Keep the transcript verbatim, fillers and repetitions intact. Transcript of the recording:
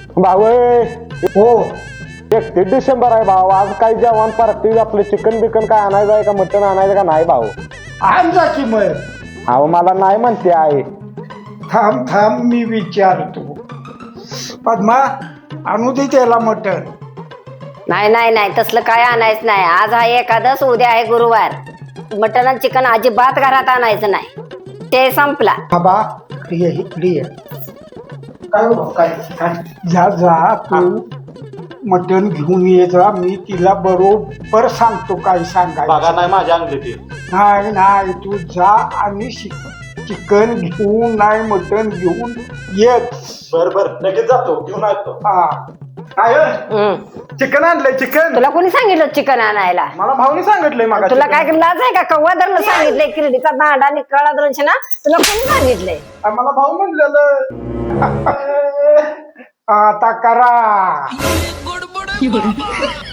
भाऊ हो एकतीस डिसेंबर आहे भाऊ. आज काय जेवण पार्टी आपलं चिकन बिकन काय आणायचं आहे का मटन आणायचं का नाही भाऊ? आण जा की मग. अहो मला नाही म्हणते आहे. थांब थांब मी विचारतो. पद्मा आणू दे त्याला मटण. नाही नाही नाही तसलं काय आणायचं नाही. आज आहे एकादश, उद्या आहे गुरुवार. मटन आणि चिकन अजिबात घरात आणायचं नाही. ते संपला. बाबा इकडे ये, इकडे ये. काय हो, काय काय जा जा तू मटण घेऊन ये जा. मी तिला बरोबर सांगतो काय सांगायचं. बघा नाही माझ्या अंगली ती. नाही नाही तू जा आणि चिकन घेऊन नाही मटण घेऊन येत. बर बर लगेच जातो घेऊन येतो. हा हम्म. चिकन आणलंय चिकन. तुला कोणी सांगितलं चिकन आणायला? मला भाऊनी सांगितलंय मग. तुला काय लाज आहे का? कव्वा धरणं सांगितलंय किरडीचा दांडा निकळा धरून ना. तुला कोणी सांगितलंय? मला भाऊ म्हणलेलं. आता करा.